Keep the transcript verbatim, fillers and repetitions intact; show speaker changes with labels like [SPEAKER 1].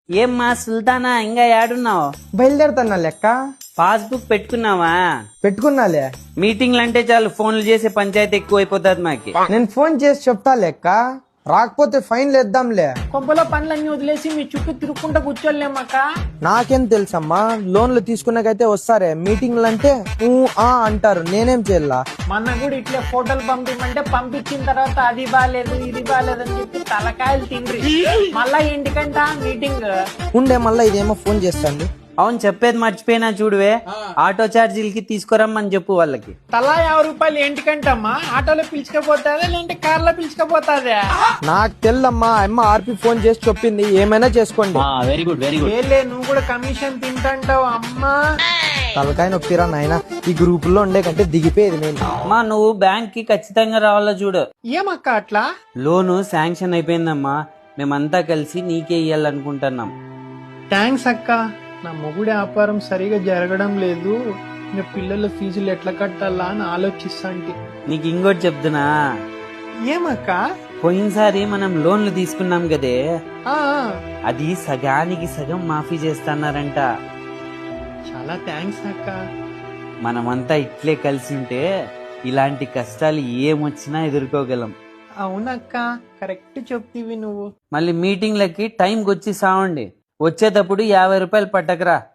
[SPEAKER 1] ఏమ్మా సుల్తానా ఇంకా ఏడున్నావు?
[SPEAKER 2] బయలుదేరుతున్నా లెక్క.
[SPEAKER 1] పాస్బుక్ పెట్టుకున్నావా?
[SPEAKER 2] పెట్టుకున్నాలే.
[SPEAKER 1] మీటింగ్లు అంటే చాలు ఫోన్లు చేసే పంచాయతీ ఎక్కువ అయిపోతుంది మాకి.
[SPEAKER 2] నేను ఫోన్ చేసి చెప్తా లెక్క, రాకపోతే ఫైన్ లేద్దాంలే.
[SPEAKER 3] కొంపలో పనులన్నీ వదిలేసి మీ చుట్టూ తిరుక్కుంటా కూర్చోలేమక్క.
[SPEAKER 2] నాకేం తెలుసమ్మా, లోన్లు తీసుకున్నాకైతే వస్తారే, మీటింగ్లు అంటే ఊ ఆ అంటారు, నేనేం చేయాల?
[SPEAKER 3] మొన్న కూడా ఇట్లే ఫోటోలు పంపించమంటే పంపించిన తర్వాత అది బాగాలేదు ఇది బాగాలేదు అని చెప్పి తలకాయలు తిండ్రి. మళ్ళా ఇంటికంట మీటింగ్
[SPEAKER 2] ఉండే, మళ్ళా ఇదేమో ఫోన్ చేస్తాండి.
[SPEAKER 1] అవును చెప్పేది మర్చిపోయినా చూడువే, ఆటో ఛార్జీలకి తీసుకురమ్మని చెప్పు వాళ్ళకి.
[SPEAKER 3] తలా యాభై రూపాయలు ఏంటికంటమ్మా? ఆటోలో పిలుచుకపోతాదా లేదంటే కార్లో పిలుచుకపోతాదా?
[SPEAKER 2] నాకు తెల్లమ్మా, అమ్మ ఆర్పి ఫోన్ చేసి చెప్పింది, ఏమైనా చేసుకోండి.
[SPEAKER 1] Very good very good.
[SPEAKER 3] ఏలే నువ్వు కూడా కమిషన్ తింటాంటావు అమ్మా.
[SPEAKER 2] తలకాయ నొప్పిరా నాయన, ఈ గ్రూప్ లో ఉండే కంటే దిగిపోయేది నేను.
[SPEAKER 1] అమ్మా నువ్వు బ్యాంక్ కి ఖచ్చితంగా రావాలా చూడు.
[SPEAKER 3] ఏమక్క అట్లా?
[SPEAKER 1] లోను శాంక్షన్ అయిపోయిందమ్మా, మేమంతా కలిసి నీకే ఇయ్యాలనుకుంటున్నాం.
[SPEAKER 3] థ్యాంక్స్ అక్క. నా మొగుడి వ్యాపారం సరిగా జరగడం లేదు, ఇంకా పిల్లల ఫీజులు ఎట్లా కట్టాలా అని ఆలోచిస్తాంటి.
[SPEAKER 1] నీకు ఇంకోటి చెప్తున్నా,
[SPEAKER 3] ఏమక్క?
[SPEAKER 1] పోయినసారి మనం లోన్లు తీసుకున్నాం కదే,
[SPEAKER 3] ఆ,
[SPEAKER 1] అది సగానికి సగం మాఫీ చేస్తున్నారంట.
[SPEAKER 3] చాలా థ్యాంక్స్ అక్క.
[SPEAKER 1] మనమంతా ఇట్లే కలిసి ఉంటే ఇలాంటి కష్టాలు ఏమొచ్చినా ఎదుర్కోగలం.
[SPEAKER 3] అవునక్క, కరెక్ట్ చెప్తివి నువ్వు.
[SPEAKER 1] మళ్ళీ మీటింగ్లకి టైంకి వచ్చి సావండి, వచ్చేటప్పుడు యాభై రూపాయలు పట్టకరా.